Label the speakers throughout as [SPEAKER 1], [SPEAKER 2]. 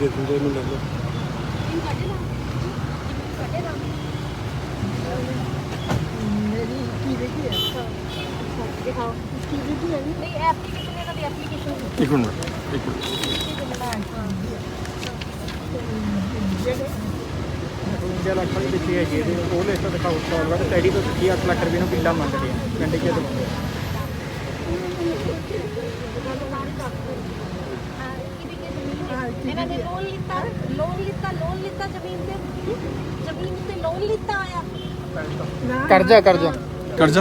[SPEAKER 1] ਦੇ ਦਿੰਦੇ ਇਹਨੂੰ ਲੈ ਲਓ। एक मिनट
[SPEAKER 2] ਲੱਖ ਵਾਲੀ ਦਿੱਤੀ ਹੈ ਜੀ ਉਹ ਲਿਸਟ ਦਿਖਾਓ ਸਟਾਲ ਵਾਲਾ ਟੈਡੀ ਤੋਂ 8 ਲੱਖ ਰੁਪਏ ਨੂੰ ਕਿੱਲਾ ਮੰਗਦੇ ਆ ਪਿੰਡ ਕੇ ਦਵਾਉਂਦੇ
[SPEAKER 3] ਇਹਨਾਂ ਨੇ ਲੋਨ ਲਿੱਤਾ ਜ਼ਮੀਨ ਤੇ ਲੋਨ ਲਿੱਤਾ ਆਇਆ
[SPEAKER 2] ਕਰਜ਼ਾ
[SPEAKER 1] कर्जा
[SPEAKER 3] ਕਰਜ਼ਾ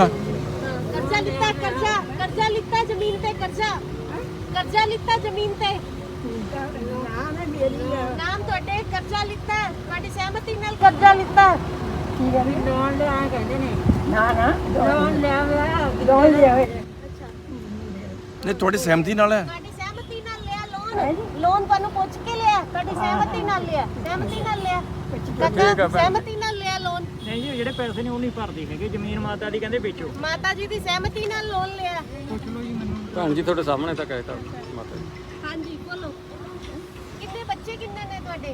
[SPEAKER 3] ਲਿੱਤਾ ਜ਼ਮੀਨ ਤੇ ਕਰਜ਼ਾ ਲਿੱਤਾ ਜ਼ਮੀਨ ਤੇ ਨਾਮ ਤੁਹਾਡੇ ਕਰਜ਼ਾ ਲਿੱਤਾ ਤੁਹਾਡੀ ਸਹਿਮਤੀ ਨਾਲ ਕਰਜ਼ਾ ਲਿੱਤਾ
[SPEAKER 4] ਲੋਨ ਲਿਆ ਕਹਿੰਦੇ ਨੇ
[SPEAKER 3] ਨਾ
[SPEAKER 4] ਲੋਨ ਲਿਆ
[SPEAKER 3] ਅੱਛਾ
[SPEAKER 1] नहीं थोड़ी सहमति नाल है
[SPEAKER 3] ਤੁਹਾਡੀ ਸਹਿਮਤੀ ਨਾਲ ਲਿਆ ਲੋਨ ਤੁਹਾਨੂੰ ਪੁੱਛ ਕੇ ਲਿਆ ਤੁਹਾਡੀ ਸਹਿਮਤੀ ਨਾਲ ਲਿਆ ਕਾਕਾ ਸਹਿਮਤੀ ਨਾਲ ਲਿਆ ਲੋਨ
[SPEAKER 2] ਨਹੀਂ ਜੀ ਜਿਹੜੇ ਪੈਸੇ ਨੇ ਉਹ ਨਹੀਂ ਭਰਦੇ ਹੈਗੇ ਜ਼ਮੀਨ ਮਾਤਾ ਦੀ ਕਹਿੰਦੇ ਵੇਚੋ
[SPEAKER 3] ਮਾਤਾ ਜੀ ਦੀ ਸਹਿਮਤੀ ਨਾਲ ਲੋਨ ਲਿਆ
[SPEAKER 2] ਪੁੱਛ ਲਓ ਜੀ ਮੈਨੂੰ
[SPEAKER 1] भैन जी थोड़े सामने तक कहता माता जी
[SPEAKER 3] ਹਾਂਜੀ ਬੋਲੋ ਕਿੰਨੇ ਬੱਚੇ ਕਿੰਨੇ ਨੇ ਤੁਹਾਡੇ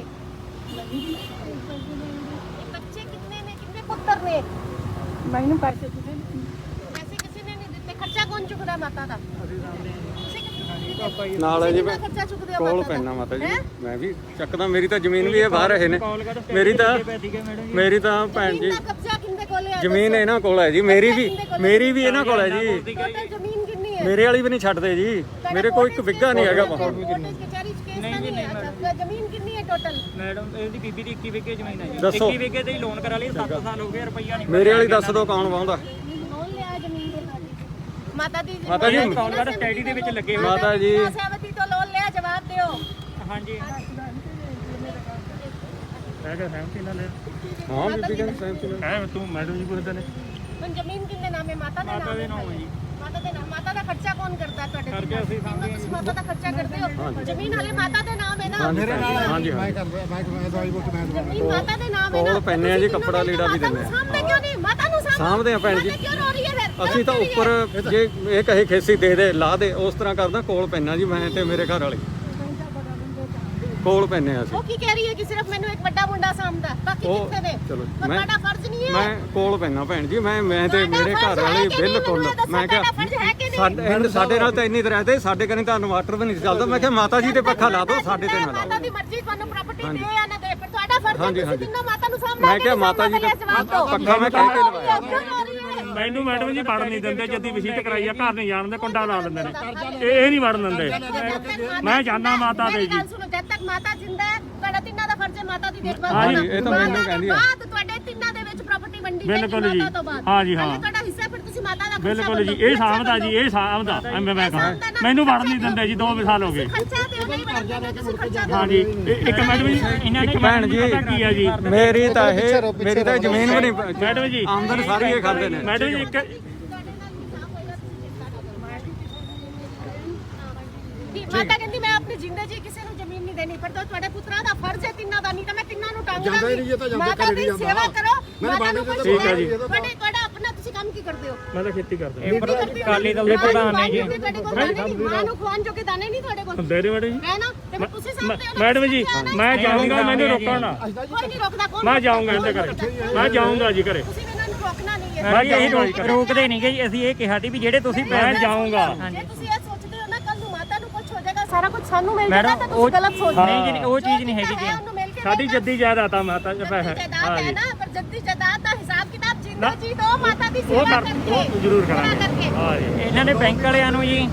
[SPEAKER 3] ਬੱਚੇ ਕਿੰਨੇ ਨੇ ਕਿੰਨੇ ਪੁੱਤਰ ਨੇ
[SPEAKER 4] ਮੈਨੂੰ ਪੈਸੇ ਦਿੱਤੇ
[SPEAKER 3] ਪੈਸੇ ਕਿਸੇ ਨੇ ਨਹੀਂ ਦਿੱਤੇ ਖਰਚਾ ਕੌਣ ਚੁੱਕਦਾ ਮਾਤਾ ਦਾ
[SPEAKER 2] ਪਾਪਾ ਜੀ
[SPEAKER 1] नाल है जी
[SPEAKER 3] ਕਿੰਨਾ ਖਰਚਾ ਚੁੱਕਦੇ ਹੋ
[SPEAKER 1] ਕੋਲ
[SPEAKER 3] ਮਾਤਾ
[SPEAKER 1] ਪੈਣਾ
[SPEAKER 3] ਦਾ
[SPEAKER 1] ਮਾਤਾ ਜੀ
[SPEAKER 3] ਹੈਂ?
[SPEAKER 1] मैं भी ਚੱਕਦਾ ਮੇਰੀ ਤਾਂ ਜ਼ਮੀਨ ਵੀ ਇਹ ਬਾਹਰ ਰਹੇ ਨੇ ਮੇਰੀ ਤਾਂ ਮੇਰੀ ਤਾਂ ਭੈਣ ਜੀ
[SPEAKER 3] ਜ਼ਮੀਨ ਦਾ ਕਬਜ਼ਾ ਕਿੰਨੇ ਕੋਲ ਹੈ
[SPEAKER 1] ਜ਼ਮੀਨ ਇਹਨਾਂ ਕੋਲ ਹੈ ਜੀ ਮੇਰੀ ਵੀ ਇਹਨਾਂ ਕੋਲ ਹੈ ਜੀ
[SPEAKER 3] ਟੋਟਲ ਜ਼ਮੀਨ ਕਿੰਨੀ ਹੈ
[SPEAKER 1] ਮੇਰੇ ਵਾਲੀ ਵੀ ਨਹੀਂ ਛੱਡਦੇ ਜੀ ਮੇਰੇ ਕੋਲ ਇੱਕ ਵਿੱਗਾ ਨਹੀਂ ਹੈਗਾ
[SPEAKER 3] ਕਚਹਿਰੀ ਚ ਕੇਸ ਨਹੀਂ ਹੈ ਜ਼ਮੀਨ ਕਿੰਨੀ ਹੈ ਟੋਟਲ
[SPEAKER 2] ਮੈਡਮ ਇਹਦੀ ਬੀਬੀ ਦੀ 21 ਵਿਗੇ ਜ਼ਮੀਨ ਹੈ ਜੀ
[SPEAKER 1] ਦੱਸੋ।
[SPEAKER 2] 21 ਵਿਗੇ ਤੇ ਹੀ ਲੋਨ ਕਰਾ ਲਈ 7 ਸਾਲ ਹੋ ਗਏ ਰੁਪਈਆ ਨਹੀਂ
[SPEAKER 1] ਮੇਰੇ ਵਾਲੀ ਦੱਸ ਦਿਓ ਕੌਣ ਵਾਹੁੰਦਾ
[SPEAKER 3] ਲੋਨ ਲਿਆ ਜ਼ਮੀਨ ਦੇ ਤੁਹਾਡੀ ਮਾਤਾ ਦੀ
[SPEAKER 1] ਮਾਤਾ ਜੀ,
[SPEAKER 2] ਕਾਲ ਕਰ ਸਟੱਡੀ ਦੇ ਵਿੱਚ ਲੱਗੇ ਹੋਏ
[SPEAKER 1] ਮਾਤਾ ਜੀ
[SPEAKER 3] ਸਹਿਮਤੀ ਤੋਂ ਲੋਨ ਲਿਆ ਜਵਾਬ ਦਿਓ
[SPEAKER 2] ਹਾਂਜੀ ਮੈਂ ਕਿਹਾ ਸਹਿਮਤੀ ਨਾਲ ਲਿਆ
[SPEAKER 1] ਹਾਂ ਬੀਬੀ ਕਹਿੰਦੀ ਸਹਿਮਤੀ ਨਾਲ
[SPEAKER 2] ਹੈ ਤੂੰ ਮੈਡਮ ਜੀ ਪੁੱਛਦੇ ਨੇ
[SPEAKER 3] ਹੁਣ ਜ਼ਮੀਨ ਕਿੰਨੇ ਨਾਮ ਹੈ ਮਾਤਾ ਦੇ ਨਾਮ
[SPEAKER 2] ਮਾਤਾ ਦੇ ਨਾਮ ਹੈ ਜੀ
[SPEAKER 3] ਮਾਤਾ ਦੇ ਨਾਮ ਮਾਤਾ ਦਾ ਖਰਚਾ ਕੌਣ ਕਰਦਾ ਤੁਹਾਡੇ
[SPEAKER 2] ਕਰਕੇ ਅਸੀਂ ਸਾਂਭਦੇ
[SPEAKER 3] ਤੁਸੀਂ ਮਾਤਾ ਦਾ ਖਰਚਾ ਕਰਦੇ ਹੋ ਜ਼ਮੀਨ ਹਲੇ ਮਾਤਾ ਦੇ ਨਾਮ ਹੈ ਨਾ
[SPEAKER 1] ਮੇਰੇ ਨਾਲ ਹਾਂਜੀ ਹਾਂ
[SPEAKER 3] ਜ਼ਮੀਨ ਮਾਤਾ ਦੇ ਨਾਮ ਹੈ ਨਾ
[SPEAKER 1] ਕੋਲ ਪੈਨੇ ਆ ਜੀ ਕੱਪੜਾ ਲੀੜਾ ਵੀ ਦਿੰਦੇ ਆ
[SPEAKER 3] ਸਾਹਮਣੇ ਕਿਉਂ ਨਹੀਂ ਮਾਤਾ ਨੂੰ
[SPEAKER 1] ਸਾਂਭਦੇ ਆ ਭੈਣ ਜੀ
[SPEAKER 3] ਕਿਉਂ ਰੋ ਰਹੀ ਹੈ ਫਿਰ
[SPEAKER 1] ਅਸੀਂ ਤਾਂ ਉੱਪਰ ਜੇ ਇਹ ਕਹੇ ਖੇਸੀ ਦੇ ਦੇ ਲਾ ਦੇ ਉਸ ਤਰ੍ਹਾਂ ਕਰਦਾ ਕੋਲ ਪੈਨਾ ਜੀ ਮੈਂ ਤੇ ਮੇਰੇ ਘਰ ਵਾਲੇ ਕੋਲ ਪੈਨੇ ਆ ਅਸੀਂ
[SPEAKER 3] ਉਹ ਕੀ ਕਹਿ ਰਹੀ ਹੈ ਕਿ ਸਿਰਫ ਮੈਨੂੰ ਇੱਕ ਵੱਡਾ ਮੁੰਡਾ ਸਾਂਭਦਾ ਬਾਕੀ
[SPEAKER 1] ਉਹ
[SPEAKER 3] ਕਿੱਥੇ ਨੇ
[SPEAKER 1] ਚਲੋ
[SPEAKER 3] ਪਰ
[SPEAKER 1] ਮੈਂ
[SPEAKER 3] ਤੁਹਾਡਾ ਫਰਜ਼ ਨਹੀਂ ਹੈ
[SPEAKER 1] ਮੈਂ ਕੋਲ ਪੈਨਾ ਭੈਣ ਜੀ ਮੈਂ ਤੇ
[SPEAKER 3] ਤੁਹਾਡਾ
[SPEAKER 1] ਮੇਰੇ
[SPEAKER 3] ਫਰਜ਼
[SPEAKER 1] ਘਰ
[SPEAKER 3] ਹੈ
[SPEAKER 1] ਵਾਲੇ
[SPEAKER 3] ਕਿ ਨਹੀਂ?
[SPEAKER 1] ਬਿਲਕੁਲ
[SPEAKER 3] ਮੈਨੂੰ ਇਹ ਦੱਸੋ,
[SPEAKER 1] ਮੈਂ ਕਿਹਾ
[SPEAKER 3] ਤੁਹਾਡਾ ਫਰਜ਼ ਹੈ ਕਿ ਨਹੀਂ?
[SPEAKER 1] ਸਾਡੇ ਨਾਲ ਤਾਂ ਇੰਨੀ ਤਰ੍ਹਾਂ ਤੇ ਸਾਡੇ ਕਨੇ ਤਾਂ ਇਨਵਰਟਰ ਵੀ ਨਹੀਂ ਚੱਲਦਾ ਮੈਂ ਕਿਹਾ ਮਾਤਾ ਜੀ ਤੇ ਪੱਖਾ ਲਾ ਦਿਓ ਸਾਡੇ ਤੇ ਨਾ
[SPEAKER 3] ਮਾਤਾ
[SPEAKER 1] ਲਾਓ
[SPEAKER 3] ਦੀ ਮਰਜ਼ੀ ਤੁਹਾਨੂੰ ਪ੍ਰਾਪਰਟੀ ਦੇ ਜਾਂ ਨਾ ਦੇ ਪਰ ਤੁਹਾਡਾ ਫਰਜ਼ ਹੈ
[SPEAKER 1] ਹਾਂਜੀ,
[SPEAKER 3] ਤੁਸੀਂ
[SPEAKER 1] ਹਾਂਜੀ।
[SPEAKER 3] ਜਿੰਨਾ ਮਾਤਾ ਨੂੰ ਸਾਂਭਣਾ
[SPEAKER 1] ਮੈਂ ਕਿਹਾ ਮਾਤਾ ਜੀ ਤੇ ਪੱਖਾ ਮੈਂ ਕਹਿ ਕੇ ਲਵਾਇਆ
[SPEAKER 5] ਮੈਨੂੰ ਮੈਡਮ ਜੀ ਵੜਨ ਨਹੀਂ ਦਿੰਦੇ ਜਦੀ ਵਸੀਅਤ ਕਰਾਈ ਆ ਘਰ ਨਹੀਂ ਜਾਣ ਦੇ ਕੁੰਡਾ ਲਾ ਦਿੰਦੇ ਨੇ ਇਹ ਨਹੀਂ ਵੜਨ ਦਿੰਦੇ ਮੈਂ ਜਾਨਾ ਮਾਤਾ ਦੇ ਜੀ
[SPEAKER 3] ਸੁਣੋ ਜਦ ਤੱਕ ਮਾਤਾ ਜਿੰਦਾ ਹੈ ਤੁਹਾਡਾ ਤਿੰਨਾਂ ਦਾ ਫਰਜ਼ ਹੈ ਮਾਤਾ ਦੀ ਦੇਖਭਾਲ
[SPEAKER 1] ਹਾਂਜੀ,
[SPEAKER 3] ਕਰਨਾ।
[SPEAKER 1] ਇਹ ਤਾਂ ਮੈਨੂੰ
[SPEAKER 3] ਮਾਤਾ ਦੇ
[SPEAKER 1] ਕਹਿੰਦੀ ਹੈ।
[SPEAKER 3] ਬਾਅਦ ਤੁਹਾਡੇ ਤਿੰਨਾਂ ਦੇ ਵਿੱਚ ਪ੍ਰਾਪਰਟੀ ਵੰਡੀ ਜਾਏਗੀ
[SPEAKER 5] ਬਿਲਕੁਲ ਜੀ।
[SPEAKER 3] ਮਾਤਾ ਤੋਂ ਬਾਅਦ
[SPEAKER 5] ਹਾਂਜੀ, ਹਾਂ।
[SPEAKER 3] ਹਾਲੇ ਤੁਹਾਡਾ ਹਿੱਸਾ ਫਿਰ ਤੁਸੀਂ ਮਾਤਾ ਦਾ
[SPEAKER 5] ਬਿਲਕੁਲ ਜੀ ਇਹ ਸਾਂਭਦਾ ਜੀ ਇਹ ਸਾਂਭਦਾ ਮੈਂ ਕਹਾਂ ਮੈਨੂੰ ਵੜਨ ਨਹੀਂ ਦਿੰਦੇ ਜੀ 2 ਸਾਲ ਹੋ ਗਏ
[SPEAKER 3] ਖਰਚਾ ਦਿਓ ਨਹੀਂ ਵੜਨ ਦਿੰਦੇ ਤੁਸੀਂ ਖਰਚਾ ਦਿਓ
[SPEAKER 5] ਹਾਂਜੀ ਇੱਕ ਮੈਡਮ ਜੀ ਇਹਨਾਂ ਨੇ
[SPEAKER 1] ਭੈਣ ਜੀ
[SPEAKER 5] ਕੀ ਆ ਜੀ
[SPEAKER 1] ਮੇਰੀ ਤਾਂ ਜ਼ਮੀਨ ਵੀ ਨਹੀਂ
[SPEAKER 5] ਮੈਡਮ ਜੀ
[SPEAKER 1] ਆਮਦਨ ਸਾਰੀ ਇਹ ਖਾਂਦੇ ਨੇ
[SPEAKER 5] ਮੈਡਮ ਜੀ ਇੱਕ
[SPEAKER 3] ਮਾਤਾ ਕਹਿੰਦੀ ਮੈਂ ਆਪਣੀ ਜ਼ਿੰਦਗੀ ਕਿਸੇ ਨੂੰ ਜ਼ਮੀਨ ਨਹੀਂ ਦੇਣੀ ਪਰ ਤੁਹਾਡੇ ਪੁੱਤਰਾਂ ਦਾ ਫਰਜ਼ ਹੈ ਤਿੰਨਾਂ ਦਾ ਨਹੀਂ ਤਾਂ ਮੈਂ ਤਿੰਨਾਂ ਨੂੰ ਟਾਂਗੂਗਾ ਮਾਤਾ ਦੀ ਸੇਵਾ ਕਰੋ ਮਾਤਾ ਨੂੰ ਕੁਝ
[SPEAKER 5] ਠੀਕ ਹੈ ਜੀ।
[SPEAKER 3] ਤੁਹਾਡਾ ਆਪਣਾ ਤੁਸੀਂ ਕੰਮ ਕੀ ਕਰਦੇ ਹੋ
[SPEAKER 5] ਮੈਂ ਤਾਂ ਖੇਤੀ ਕਰਦਾ
[SPEAKER 2] ਕਾਲੀ ਦਲ ਦੇ ਪ੍ਰਧਾਨ ਨੇ ਜੀ
[SPEAKER 3] ਮਾਂ ਨੂੰ ਖਵਾਉਣ ਜੋਗੇ ਦਾਣੇ ਨਹੀਂ ਤੁਹਾਡੇ ਕੋਲ
[SPEAKER 5] ਦੇ ਰਹੇ ਮੈਡਮ ਜੀ
[SPEAKER 3] ਹੈ ਨਾ ਤੇ ਫਿਰ ਤੁਸੀਂ ਸਾਹਮਣੇ ਹੋ ਨਾ।
[SPEAKER 5] ਮੈਡਮ ਜੀ ਮੈਂ ਜਾਊਂਗਾ ਮੈਨੂੰ ਰੋਕਣਾ ਨਾ
[SPEAKER 3] ਕੋਈ ਨਹੀਂ ਰੋਕਦਾ ਕੌਣ
[SPEAKER 5] ਮੈਂ ਜਾਊਂਗਾ ਇਹਦੇ ਘਰੇ ਮੈਂ ਜਾਊਂਗਾ ਜੀ ਘਰੇ
[SPEAKER 3] ਤੁਸੀਂ ਇਹਨਾਂ ਨੂੰ ਰੋਕਣਾ ਨਹੀਂ ਹੈ
[SPEAKER 5] ਮੈਂ ਜਾਊਂਗਾ
[SPEAKER 2] ਰੋਕਦੇ ਨਹੀਂ ਗਏ ਅਸੀਂ ਇਹ ਕਿਹਾ ਵੀ ਜਿਹੜੇ ਤੁਸੀਂ
[SPEAKER 5] ਮੈਂ ਜਾਊਂਗਾ
[SPEAKER 3] ਜੇ ਤੁਸੀਂ ਇਹ ਸੋਚਦੇ ਹੋ ਨਾ ਕੱਲ ਨੂੰ ਮਾਤਾ ਨੂੰ ਕੁਝ ਹੋ ਜਾਏਗਾ ਸਾਰਾ ਕੁਝ ਸਾਨੂੰ ਮਿਲ ਜਾਏਗਾ ਤਾਂ ਤੁਸੀਂ ਗਲਤ ਸੋਚਦੇ
[SPEAKER 2] ਨਹੀਂ ਜੀ ਉਹ ਚੀਜ਼ ਨਹੀਂ ਹੈਗੀ ਜੀ
[SPEAKER 3] ਉਹਨੂੰ ਮਿਲ ਕੇ
[SPEAKER 5] ਸਾਡੀ ਜੱਦੀ ਜਾਇਦਾਦ ਆ ਮਾਤਾ ਜੀ
[SPEAKER 3] ਜਾਇਦਾਦ ਹੈ ਨਾ ਪਰ ਜੱਦੀ ਜਾਇਦਾਦ ਦਾ ਹਿਸਾਬ ਕਿਤਾਬ ਜਿੰਦਾ ਜੀ ਦੋ ਮਾਤਾ ਦੀ ਸੇਵਾ ਕਰਕੇ
[SPEAKER 5] ਉਹ ਜ਼ਰੂਰ ਕਰਾਂਗੇ
[SPEAKER 3] ਕਰਕੇ
[SPEAKER 5] ਹਾਂ ਜੀ
[SPEAKER 2] ਇਹਨਾਂ ਨੇ ਬੈਂਕ ਵਾਲਿਆਂ ਨੂੰ ਜੀ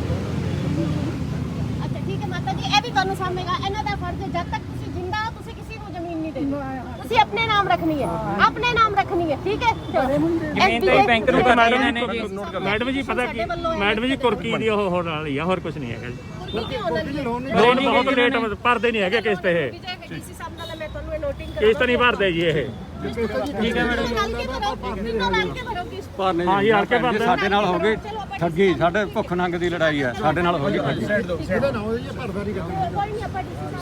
[SPEAKER 3] ਅੱਛਾ ਠੀਕ ਹੈ ਮਾਤਾ ਜੀ ਇਹ ਵੀ ਤੁਹਾਨੂੰ ਸਾਹਮਣੇਗਾ ਇਹਨਾਂ ਦਾ ਫਰਜ਼ ਹੈ ਜਦ ਤੱਕ ਤੁਸੀਂ ਜਿੰਦਾ ਹੋ ਤੁਸੀਂ ਕਿਸੇ ਨੂੰ ਜ਼ਮੀਨ ਨਹੀਂ ਦੇਣੀ ਤੁਸੀਂ ਆਪਣੇ ਨਾਮ ਰੱਖਣੀ ਹੈ ਆਪਣੇ ਨਾਮ ਰੱਖਣੀ ਹੈ ਠੀਕ ਹੈ
[SPEAKER 2] ਜ਼ਮੀਨ ਤਾਂ ਹੀ ਬੈਂਕ ਨੂੰ ਕਰਨੀ ਇਹਨਾਂ ਨੇ ਜੀ
[SPEAKER 5] ਮੈਡਮ ਜੀ ਪਤਾ ਕੀ ਮੈਡਮ ਜੀ ਕੁਰਕੀ ਦੀ ਉਹ ਹੋਣ ਵਾਲੀ ਆ ਹੋਰ ਕੁਝ ਨਹੀਂ ਹੈਗਾ ਜੀ
[SPEAKER 3] ਲੋਨ
[SPEAKER 5] ਲੋਨ ਬਹੁਤ ਰੇਟ ਭਰਦੇ ਨਹੀਂ ਹੈਗੇ ਕਿਸ਼ਤ ਇਹ
[SPEAKER 3] ਡੀਸੀ ਸਾਹਿਬ ਨਾਲ ਮੈਂ ਤੁਹਾਨੂੰ ਇਹ ਨੋਟਿੰਗ
[SPEAKER 5] ਕਿਸ਼ਤ ਨਹੀਂ ਭਰਦੇ ਜੀ ਇਹ
[SPEAKER 2] ਠੀਕ ਹੈ ਮੈਡਮ
[SPEAKER 3] ਨਾਲ ਕੇ ਭਰੋ ਤਿੰਨੋਂ ਨਾਲ ਕੇ ਭਰੋ ਕਿਸ
[SPEAKER 1] ਭਰਨੇ
[SPEAKER 5] ਹਾਂ ਜੀ, ਹਲਕੇ
[SPEAKER 1] ਭੈਣ ਜੀ,
[SPEAKER 5] ਭਰਦੇ।
[SPEAKER 1] ਸਾਡੇ ਨਾਲ ਹੋ ਗਈ ਠੱਗੀ ਸਾਡੇ ਭੁੱਖ ਨੰਗ ਦੀ ਲੜਾਈ ਹੈ ਸਾਡੇ ਨਾਲ ਹੋ ਗਈ ਠੱਗੀ
[SPEAKER 3] ਕੋਈ ਨਹੀਂ ਆਪਾਂ ਡੀਸੀ